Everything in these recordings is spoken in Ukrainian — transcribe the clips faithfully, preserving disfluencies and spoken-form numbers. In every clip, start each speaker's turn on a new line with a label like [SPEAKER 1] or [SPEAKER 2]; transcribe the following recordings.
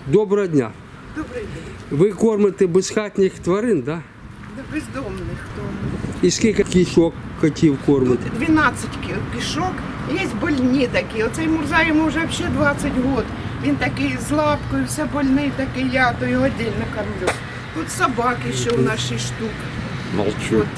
[SPEAKER 1] Доброго дня.
[SPEAKER 2] Добрий день.
[SPEAKER 1] Ви кормите безхатніх тварин, так?
[SPEAKER 2] До бездомних тому.
[SPEAKER 1] І скільки кішок котів кормите?
[SPEAKER 2] Тут дванадцять ки- кішок, є больні такі. Оцей Мурза йому вже взагалі двадцять років. Він такий з лапкою, все больний, такий я, то його віддільно кормлю. Тут собаки ще у нас шість штук.
[SPEAKER 1] Молчу.
[SPEAKER 2] От.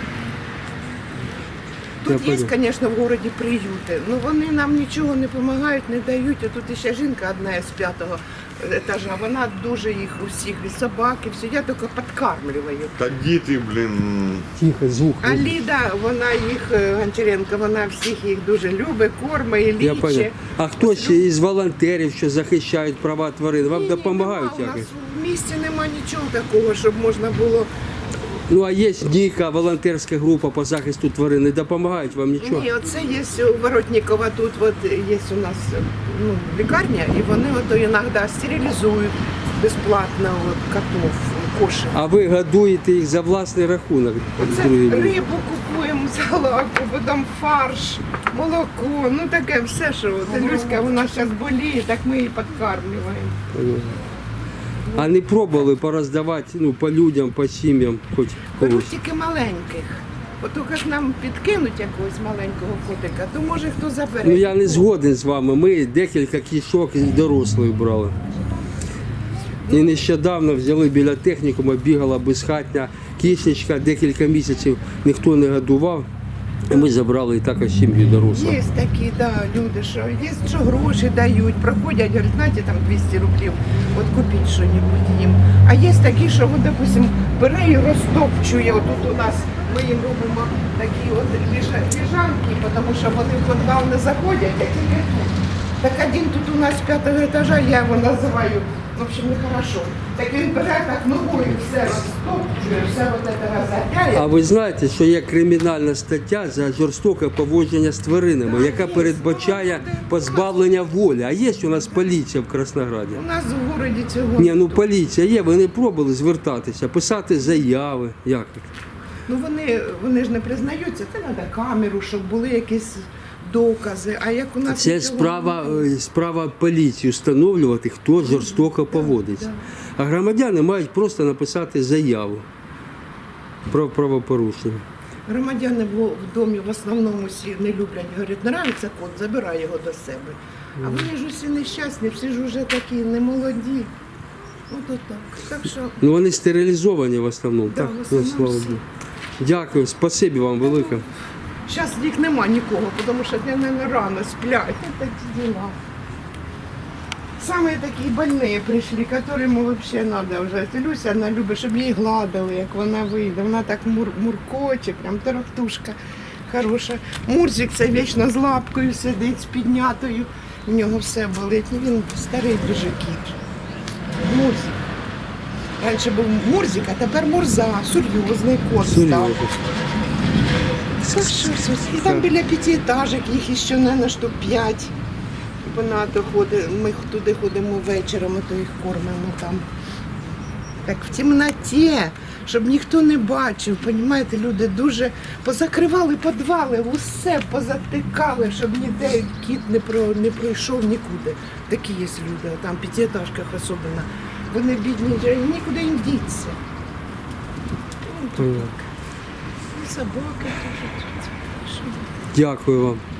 [SPEAKER 2] Тут
[SPEAKER 1] Я
[SPEAKER 2] є,
[SPEAKER 1] понял.
[SPEAKER 2] звісно, в городі приюти. Ну вони нам нічого не допомагають, не дають. А тут ще жінка одна з п'ятого етажа. Вона дуже їх усіх, і собаки, все. Я тільки підкармлюю.
[SPEAKER 3] Та діти, блін.
[SPEAKER 1] Тихо, звук.
[SPEAKER 2] А Ліда, вона їх, е, Гончаренко, вона всіх їх дуже любить, кормить,
[SPEAKER 1] Я
[SPEAKER 2] лічить.
[SPEAKER 1] понял. А хто ще із волонтерів, що захищають права тварин? Вам
[SPEAKER 2] Ні,
[SPEAKER 1] допомагають
[SPEAKER 2] нема, у
[SPEAKER 1] якось?
[SPEAKER 2] нас в місті нема нічого такого, щоб можна було.
[SPEAKER 1] Ну а є ніяка волонтерська група по захисту тварин, не допомагають вам нічого?
[SPEAKER 2] Ні, оце є у Воротникова, тут от є у нас ну, лікарня, і вони от іноді стерилізують безплатно от, котов, кошек.
[SPEAKER 1] А ви годуєте їх за власний рахунок?
[SPEAKER 2] Оце
[SPEAKER 1] другим людям?
[SPEAKER 2] рибу купуємо за лаку, потім фарш, молоко, ну таке все, що от, Люська, вона зараз боліє, так ми її підкармлюємо.
[SPEAKER 1] Понятно. А не пробували пороздавати ну, по людям, по сім'ям, хоч
[SPEAKER 2] Беруть
[SPEAKER 1] когось?
[SPEAKER 2] тільки маленьких. От тільки ж нам підкинуть якогось маленького котика, то може хто забере.
[SPEAKER 1] Ну я не згоден з вами. Ми декілька кішок і дорослих брали. І нещодавно взяли біля технікуму, бігала безхатня кішечка, декілька місяців ніхто не годував. І ми забрали і також сім'ю дорослу.
[SPEAKER 2] Є такі, да, люди, що є, що гроші дають, проходять, говорять, знаєте, там двісті рублів, от купіть щось їм. А є такі, що, от, допустим, бере і розтопчує. Отут у нас ми їм робимо такі от ліжа- ліжанки, тому що вони в підвал не заходять, а тільки тут. Так один тут у нас з п'ятого етажа, я його називаю, в общем, нехорошо. Так він бере так ногою, все розтопчує, все от це розгадяє.
[SPEAKER 1] А ви знаєте, що є кримінальна стаття за жорстоке поводження з тваринами, яка передбачає позбавлення волі. А є у нас поліція в Краснограді?
[SPEAKER 2] У нас в городі цього.
[SPEAKER 1] Ні, ну поліція є, ви не пробували звертатися, писати заяви. Як?
[SPEAKER 2] Ну вони, вони ж не признаються, це треба камеру, щоб були якісь докази. А як у нас
[SPEAKER 1] Це
[SPEAKER 2] нічого
[SPEAKER 1] справа,
[SPEAKER 2] немає.
[SPEAKER 1] е, справа поліції встановлювати, хто жорстоко поводиться. А громадяни мають просто написати заяву про правопорушення.
[SPEAKER 2] Громадяни в в домі в основному всі не люблять, говорять, нравиться кот, забирай його до себе. А вони ж усі нещасні, всі ж вже такі немолоді. От отак. Так що
[SPEAKER 1] Ну вони стерилізовані в основному,
[SPEAKER 2] Да,
[SPEAKER 1] так?
[SPEAKER 2] в
[SPEAKER 1] Ну,
[SPEAKER 2] основному
[SPEAKER 1] слава
[SPEAKER 2] всі.
[SPEAKER 1] Богу. Дякую, спасибі вам велике.
[SPEAKER 2] зараз їх нема нікого, тому що для мене рано сплять. Такі діла. Саме такі больні прийшли, яким взагалі треба вже. Люся, вона любить, щоб її гладили, як вона вийде. Вона так мур, муркоче, прям тарахтушка хороша. Мурзик це вічно з лапкою сидить, з піднятою. У нього все болить. Ну, він старий дуже кіт. Мурзик. Раніше був Мурзик, а тепер Мурза, серйозний кот став.
[SPEAKER 1] Серйозно.
[SPEAKER 2] Все, все, все. І там біля п'ятиэтажок, їх ще не на штук п'ять. Багато ходить. Ми туди ходимо вечором, то їх кормимо там. Так в темноті, щоб ніхто не бачив. Понімаєте, люди дуже позакривали підвали, усе позатикали, щоб ніде кіт не про не пройшов нікуди. Такі є люди, там в п'ятиэтажках особливо. Вони бідні, вже нікуди їм діться. Ну,
[SPEAKER 1] Понятно.
[SPEAKER 2] і собаки теж.
[SPEAKER 1] Дякую вам.